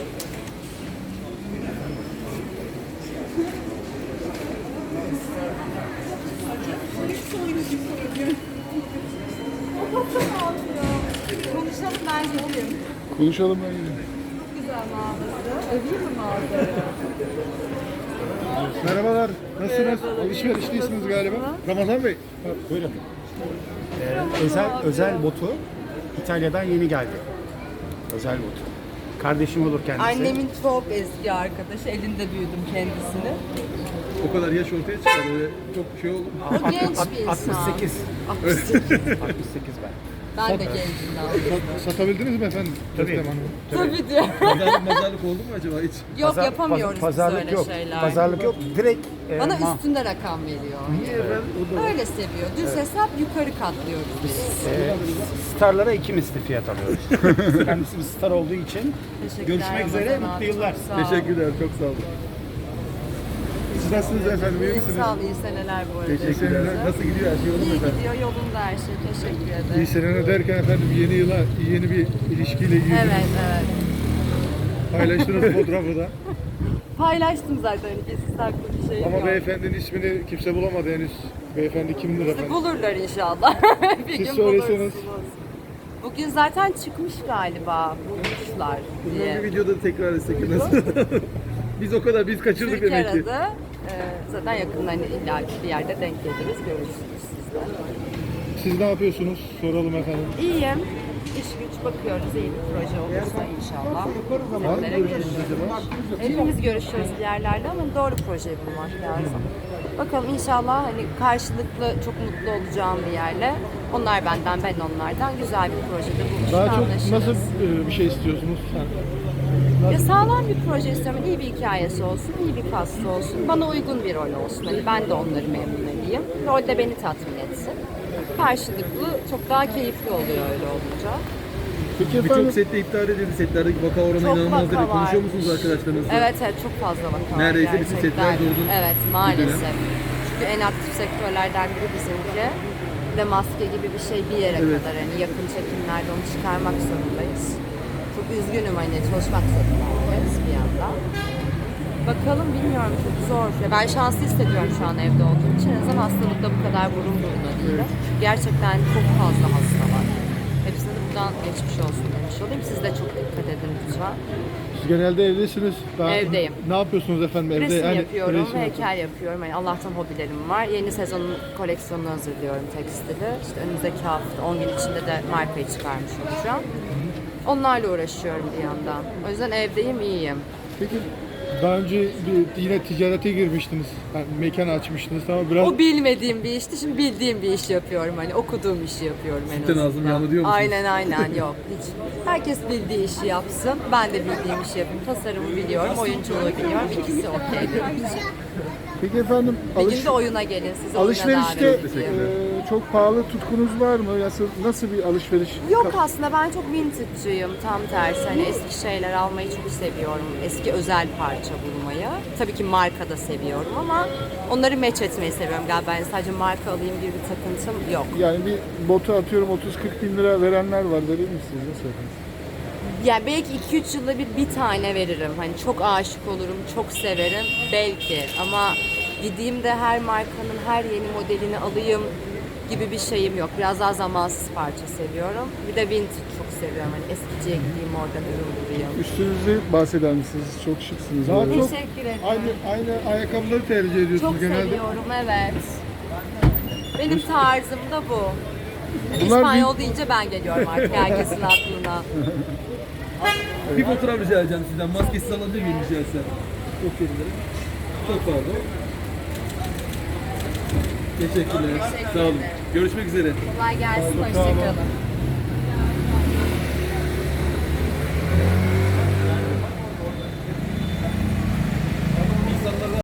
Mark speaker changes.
Speaker 1: Konuşalım bence olayım.
Speaker 2: Konuşalım bence.
Speaker 1: Çok güzel mağazası. Öveyim mi mağazayı?
Speaker 2: Merhabalar. Nasılsınız?
Speaker 1: Merhabalar.
Speaker 2: Alışverişteysiniz galiba. Ramazan Bey.
Speaker 3: Buyurun. Özel botu İtalya'dan yeni geldi. Özel botu. Kardeşim olur kendisi.
Speaker 1: Annemin çok eski arkadaşı. Elinde büyüdüm kendisini.
Speaker 2: O kadar yaş ortaya çıkar. Öyle çok şey oldu.
Speaker 1: O genç bir insan.
Speaker 3: 68.
Speaker 1: 68.
Speaker 3: 68 ben.
Speaker 1: Ben de gencim daha.
Speaker 2: Satabildiniz mi efendim?
Speaker 3: Tabii.
Speaker 2: Teslim Hanım'ı?
Speaker 1: Tabii diyor.
Speaker 2: Mazarlık oldu mu acaba hiç?
Speaker 1: Yok yapamıyoruz biz
Speaker 3: Pazarlık
Speaker 1: öyle
Speaker 3: yok.
Speaker 1: şeyler.
Speaker 3: Pazarlık yok. Direkt
Speaker 1: Bana üstünde rakam veriyor.
Speaker 3: Niye efendim?
Speaker 1: Öyle seviyor. Düz hesap yukarı katlıyoruz biz.
Speaker 3: Starlara iki misli fiyat alıyoruz. Kendisi bir star olduğu için.
Speaker 1: Teşekkürler
Speaker 3: Görüşmek üzere,
Speaker 1: Ramazan
Speaker 3: mutlu
Speaker 1: abi,
Speaker 3: yıllar.
Speaker 1: çok sağ ol.
Speaker 2: Teşekkürler. Çok sağ olun. Siz nasılsınız efendim? İyi misiniz?
Speaker 1: Sağ ol, iyi seneler bu arada.
Speaker 2: Teşekkürler. Nasıl gidiyor her şey yolunda
Speaker 1: İyi
Speaker 2: efendim?
Speaker 1: gidiyor, yolunda her şey. Teşekkür
Speaker 2: İyi
Speaker 1: ederim.
Speaker 2: seneler derken efendim yeni yıla yeni bir ilişkiyle ilgili
Speaker 1: Evet, evet.
Speaker 2: paylaştığınız fotoğrafı da.
Speaker 1: Paylaştım zaten. Gizli saklı bir şey
Speaker 2: Ama
Speaker 1: yok.
Speaker 2: beyefendinin ismini kimse bulamadı henüz. Beyefendi kimdir
Speaker 1: İşte
Speaker 2: efendim?
Speaker 1: bulurlar inşallah. Bir
Speaker 2: Siz
Speaker 1: gün
Speaker 2: söyleseniz.
Speaker 1: bulursunuz. Bugün zaten çıkmış galiba. Bulmuşlar
Speaker 4: Bundan
Speaker 1: diye.
Speaker 4: bir videoda tekrar etsek nasıl? biz kaçırdık
Speaker 1: Türk
Speaker 4: demek ki.
Speaker 1: aradı. Zaten yakında hani illa bir yerde denk geliriz. Görürsünüz siz de.
Speaker 2: Siz ne yapıyorsunuz? Soralım efendim.
Speaker 1: İyiyim. İş güç bakıyoruz. İyi bir proje olursa inşallah. Sizlere görüşürüz. Hepimiz görüşüyoruz bir yerlerde ama doğru projeyi bulmak lazım. Bakalım inşallah hani karşılıklı çok mutlu olacağım bir yerle. Onlar benden, ben onlardan güzel bir projede buluşup
Speaker 2: Daha çok
Speaker 1: anlaşırız.
Speaker 2: nasıl bir şey istiyorsunuz?
Speaker 1: Ya sağlam bir proje istiyorum. İyi bir hikayesi olsun, iyi bir kastı olsun. Bana uygun bir rol olsun. Hani ben de onları memnun edeyim. Rol de beni tatmin etsin. Karşılıklı çok daha keyifli oluyor öyle olunca.
Speaker 2: Peki efendim,
Speaker 4: Birçok sette iptal edildi. Setlerdeki vaka oranı
Speaker 1: Çok
Speaker 4: inanılmaz
Speaker 1: vaka
Speaker 4: dedi. Konuşuyor
Speaker 1: varmış.
Speaker 4: musunuz arkadaşlarınızla?
Speaker 1: Evet, evet, çok fazla vaka var
Speaker 4: Neredeyse bütün
Speaker 1: gerçekten.
Speaker 4: setler durdu.
Speaker 1: Evet, maalesef. Çünkü en aktif sektörlerden biri bizimki. Bir de maske gibi bir şey bir yere
Speaker 4: Evet.
Speaker 1: kadar hani yakın çekimlerde onu çıkarmak zorundayız. Çok üzgünüm hani çalışmak zorundayız bir yandan. Bakalım bilmiyorum çok zor. Ya ben şanslı hissediyorum şu an evde olduğum için. En azından hastalıkta bu kadar burun buruna değilim. Gerçekten çok fazla hasta var. Hepsine de buradan geçmiş olsun demiş olayım. Siz de çok dikkat edin lütfen.
Speaker 2: siz genelde evdesiniz. Daha
Speaker 1: Evdeyim.
Speaker 2: Ne yapıyorsunuz efendim evde?
Speaker 1: Resim
Speaker 2: Yani
Speaker 1: yapıyorum,
Speaker 2: resim
Speaker 1: heykel yapıyorum. Yani Allah'tan hobilerim var. Yeni sezonun koleksiyonunu hazırlıyorum tekstili. İşte önümüzdeki hafta 10 gün içinde de markayı çıkarmış olacağım. Onlarla uğraşıyorum bir yandan. O yüzden evdeyim, iyiyim.
Speaker 2: Peki daha önce yine ticarete girmiştiniz. Yani mekan açmıştınız ama biraz
Speaker 1: O bilmediğim bir işti, şimdi bildiğim bir iş yapıyorum. Hani okuduğum işi yapıyorum en
Speaker 4: Sütten
Speaker 1: azından.
Speaker 4: ağzım yandı diyor musunuz?
Speaker 1: Aynen yok. Hiç. Herkes bildiği işi yapsın. Ben de bildiğim işi yapayım. Tasarımı biliyorum, oyunculuğu biliyorum. İkisi okey benim için.
Speaker 2: Peki efendim
Speaker 1: Bir gün de oyuna gelin, sizi oyuna
Speaker 2: alışverişte
Speaker 1: davet edeyim.
Speaker 2: çok pahalı tutkunuz var mı? Nasıl bir alışveriş?
Speaker 1: Yok aslında ben çok vintage'cıyım tam tersi. Hani eski şeyler almayı çok seviyorum. Eski özel parça bulmayı. Tabii ki marka da seviyorum ama onları match etmeyi seviyorum galiba. Yani sadece marka alayım gibi bir takıntım yok.
Speaker 2: Yani bir botu atıyorum 30-40 bin lira verenler var, verir misiniz? Nasıl efendim?
Speaker 1: Yani belki 2-3 yılda bir tane veririm. Hani çok aşık olurum, çok severim belki. Ama gideyim de her markanın her yeni modelini alayım gibi bir şeyim yok. Biraz daha zamansız parça seviyorum. Bir de vintage çok seviyorum. Hani eskiciye gideyim oradan ürün bulayım.
Speaker 2: Üstünüzü bahseder misiniz? Çok şıksınız. Daha çok
Speaker 1: Teşekkür ederim.
Speaker 2: aynı ayakkabıları tercih ediyorsunuz
Speaker 1: Çok
Speaker 2: genelde.
Speaker 1: seviyorum, evet. Benim tarzım da bu. Yani
Speaker 2: Bunlar
Speaker 1: İspanyol deyince ben geliyorum artık herkesin aklına.
Speaker 4: Bir fotoğraf rica edeceğim sizden. Maskesiz alabilir miyim rica etsem? Çok ederim. Çok pardon. Teşekkürler. Sağ olun. Görüşmek üzere.
Speaker 1: Kolay gelsin, hoşçakalın.